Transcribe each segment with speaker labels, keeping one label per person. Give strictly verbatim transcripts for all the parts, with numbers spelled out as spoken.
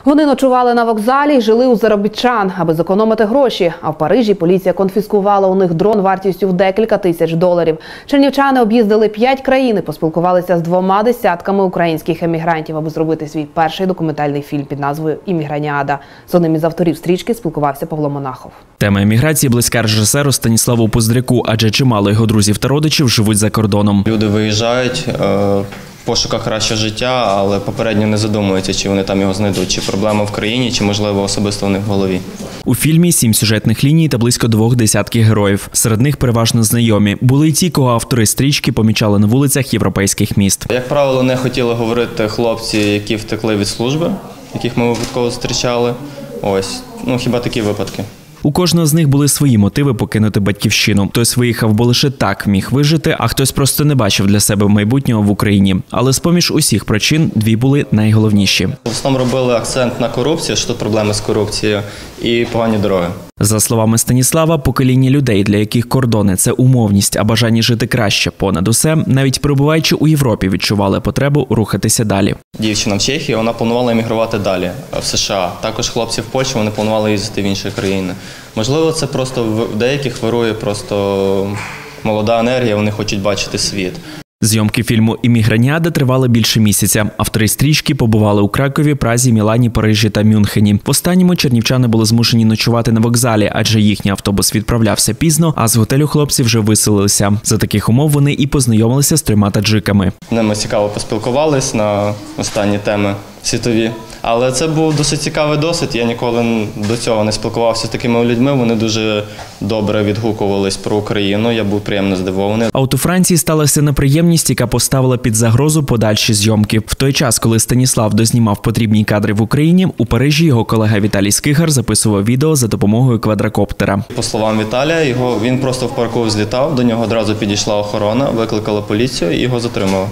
Speaker 1: Вони ночували на вокзалі і жили у заробітчан, аби зекономити гроші. А в Парижі поліція конфіскувала у них дрон вартістю в декілька тисяч доларів. Чернівчани об'їздили п'ять країн і поспілкувалися з двома десятками українських емігрантів, аби зробити свій перший документальний фільм під назвою «Імміграніада». З одним із авторів стрічки спілкувався Павло Монахов.
Speaker 2: Тема еміграції близька режисеру Станіславу Поздряку, адже чимало його друзів та родичів живуть за кордоном.
Speaker 3: Люди виїжджають в пошуках кращого життя, але попередньо не задумуються, чи вони там його знайдуть, чи проблема в країні, чи, можливо, особисто в них в голові.
Speaker 2: У фільмі сім сюжетних ліній та близько двох десятків героїв. Серед них переважно знайомі. Були й ті, кого автори стрічки помічали на вулицях європейських міст.
Speaker 3: Як правило, не хотіли говорити хлопці, які втекли від служби, яких ми випадково зустрічали. Ось, ну хіба такі випадки.
Speaker 2: У кожного з них були свої мотиви покинути батьківщину. Хтось виїхав, бо лише так міг вижити, а хтось просто не бачив для себе майбутнього в Україні. Але з-поміж усіх причин дві були найголовніші.
Speaker 3: В основному робили акцент на корупцію, що тут проблеми з корупцією, і погані дороги.
Speaker 2: За словами Станіслава, покоління людей, для яких кордони – це умовність, а бажання жити краще понад усе, навіть перебуваючи у Європі, відчували потребу рухатися далі.
Speaker 3: Дівчина в Чехії, вона планувала емігрувати далі, в США. Також хлопці в Польщі, вони планували їздити в інші країни. Можливо, це просто в деяких вирує просто молода енергія, вони хочуть бачити світ.
Speaker 2: Зйомки фільму «Імміграніада» тривали більше місяця. Автори стрічки побували у Кракові, Празі, Мілані, Парижі та Мюнхені. В останньому чернівчани були змушені ночувати на вокзалі, адже їхній автобус відправлявся пізно, а з готелю хлопці вже виселилися. За таких умов вони і познайомилися з трьома таджиками.
Speaker 3: Ми цікаво поспілкувались на останні теми світові. Але це був досить цікавий досвід. Я ніколи до цього не спілкувався з такими людьми. Вони дуже добре відгукувались про Україну. Я був приємно здивований.
Speaker 2: А от у Франції сталася неприємність, яка поставила під загрозу подальші зйомки. В той час, коли Станіслав дознімав потрібні кадри в Україні, у Парижі його колега Віталій Скигар записував відео за допомогою квадрокоптера.
Speaker 3: По словам Віталія, його, він просто в парку злітав, до нього одразу підійшла охорона, викликала поліцію і його затримали.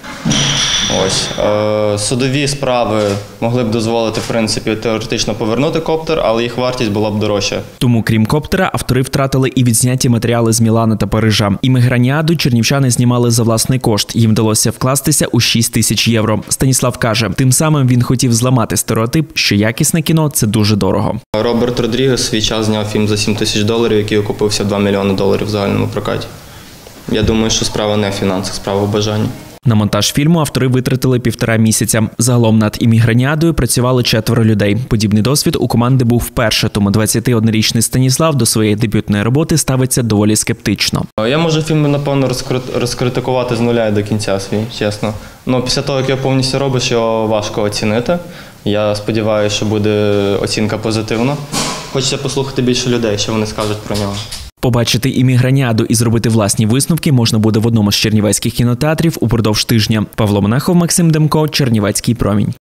Speaker 3: Ось. Е, судові справи могли б дозволити, в принципі, теоретично повернути коптер, але їх вартість була б дорожча.
Speaker 2: Тому, крім коптера, автори втратили і відзняті матеріали з Мілана та Парижа. «Імміграніаду» чернівчани знімали за власний кошт. Їм вдалося вкластися у шість тисяч євро. Станіслав каже, тим самим він хотів зламати стереотип, що якісне кіно – це дуже дорого.
Speaker 3: Роберт Родрігес свій час зняв фільм за сім тисяч доларів, який окупився в два мільйони доларів в загальному прокаті. Я думаю, що справа не в фінансах, справа в бажанні.
Speaker 2: На монтаж фільму автори витратили півтора місяця. Загалом над «Імміграніадою» працювали четверо людей. Подібний досвід у команди був вперше, тому двадцятиоднорічний Станіслав до своєї дебютної роботи ставиться доволі скептично.
Speaker 3: Я можу фільм, напевно, розкритикувати з нуля і до кінця свій, чесно. Ну, після того, як його повністю робиш, його важко оцінити. Я сподіваюся, що буде оцінка позитивна. Хочеться послухати більше людей, що вони скажуть про нього.
Speaker 2: Побачити «Імміграніаду» і зробити власні висновки можна буде в одному з чернівецьких кінотеатрів упродовж тижня. Павло Монахов, Максим Демко, Чернівецький промінь.